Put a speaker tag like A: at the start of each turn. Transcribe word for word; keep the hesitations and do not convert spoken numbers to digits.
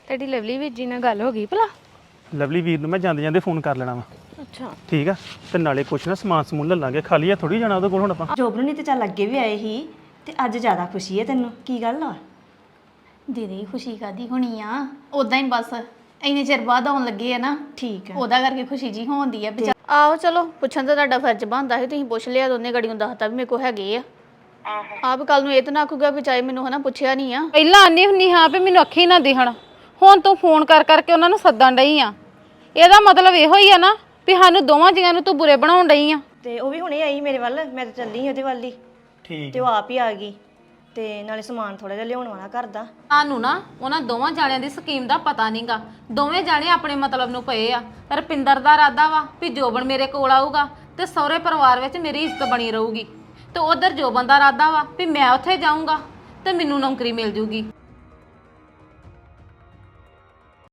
A: ਤੁਹਾਡੀ ਲਵਲੀ ਵੀਰ ਜੀ ਨਾਲ ਗੱਲ ਹੋ ਗਈ ਭਲਾ?
B: ਲਵਲੀ ਵੀਰ ਨੂੰ ਮੈਂ ਜਾਂਦੇ ਜਾਂਦੇ ਫੋਨ ਕਰ ਲੈਣਾ ਵਾ।
A: ਅੱਛਾ
B: ਠੀਕ ਆ, ਤੇ ਨਾਲੇ ਕੁਛ ਨਾ ਸਮਾਨ ਸਮੂਨ ਲੈ ਲਾਂਗੇ, ਖਾਲੀ ਆ ਥੋੜੀ ਜਾਣਾ ਉਹਦੇ ਕੋਲ ਹੁਣ ਆਪਾਂ।
C: ਜੋਬਨ ਨਹੀਂ ਤੇ ਚੱਲ ਅੱਗੇ ਵੀ ਆਏ ਸੀ ਤੇ ਅੱਜ ਜ਼ਿਆਦਾ ਖੁਸ਼ੀ ਹੈ ਤੈਨੂੰ, ਕੀ ਗੱਲ ਆ?
D: ਦੀਦੀ ਖੁਸ਼ੀ ਕਾਦੀ ਹੋਣੀ ਆ, ਉਦਾਂ ਹੀ ਬਸ ਇੰਨੇ ਚਿਰ ਬਾਅਦ ਆਉਣ ਲੱਗੇ ਆ ਨਾ,
C: ਠੀਕ ਆ।
D: ਉਹਦਾ ਕਰਕੇ ਖੁਸ਼ੀ ਜੀ ਹੋਣਦੀ ਆ। ਆਹੋ ਚਲੋ ਪੁੱਛਣ ਤਾਂ ਤੁਹਾਡਾ ਫਰਜ਼ ਬਣਦਾ ਸੀ, ਤੁਸੀਂ ਪੁੱਛ ਲਿਆ, ਦੋਨੇ ਗੜੀਆਂ ਦੱਸਤਾ ਵੀ ਮੇਰੇ ਕੋਲ ਹੈਗੇ ਆ। ਆਪ ਕੱਲ ਨੂੰ ਇਹ ਤਾਂ ਨਾ ਆਖੂਗਾ ਵੀ ਚਾਹੇ ਮੈਨੂੰ ਹਨਾ ਪੁੱਛਿਆ ਨਹੀਂ ਆ।
E: ਪਹਿਲਾਂ ਆਨੀ ਹੁੰਨੀ ਹਾਂ ਵੀ ਮੈਨੂੰ ਅੱਖੀ ਨਾ ਦਿਖਣ, ਹੁਣ ਤੂੰ ਫੋਨ ਕਰ ਕਰਕੇ ਉਹਨਾਂ ਨੂੰ ਸੱਦਣ ਡਈ ਆ। ਇਹਦਾ ਮਤਲਬ ਇਹੋ ਹੀ ਆ ਨਾ ਵੀ ਸਾਨੂੰ ਦੋਵਾਂ ਜੀਆਂ ਨੂੰ ਤੂੰ ਬੁਰੇ ਬਣਾਉਣ ਡਈ ਆ।
C: ਤੇ ਉਹ ਵੀ ਹੁਣੇ ਆਈ ਮੇਰੇ ਵੱਲ, ਮੈਂ ਤਾਂ ਚੱਲੀ ਉਹਦੇ ਵੱਲ ਹੀ
B: ਠੀਕ
C: ਤੇ ਉਹ ਆਪ ਹੀ ਆ ਗਈ ਤੇ ਨਾਲੇ ਸਮਾਨ ਥੋੜਾ ਜਿਹਾ ਲਿਆਉਣ ਵਾਲਾ ਘਰ ਦਾ।
E: ਸਾਨੂੰ ਨਾ ਉਹਨਾਂ ਦੋਵਾਂ ਜਾਣਿਆਂ ਦੀ ਸਕੀਮ ਦਾ ਪਤਾ ਨਹੀਂਗਾ, ਦੋਵੇਂ ਜਾਣੇ ਆਪਣੇ ਮਤਲਬ ਨੂੰ ਪਏ ਆ। ਰਪਿੰਦਰ ਦਾ ਇਰਾਦਾ ਵਾ ਵੀ ਜੋਬਨ ਮੇਰੇ ਕੋਲ ਆਊਗਾ ਤੇ ਸਹੁਰੇ ਪਰਿਵਾਰ ਵਿੱਚ ਮੇਰੀ ਇੱਜ਼ਤ ਬਣੀ ਰਹੂਗੀ, ਤੇ ਉਧਰ ਜੋਬਨ ਦਾ ਇਰਾਦਾ ਵਾ ਵੀ ਮੈਂ ਉੱਥੇ ਜਾਊਂਗਾ ਤੇ ਮੈਨੂੰ ਨੌਕਰੀ ਮਿਲ ਜੂਗੀ।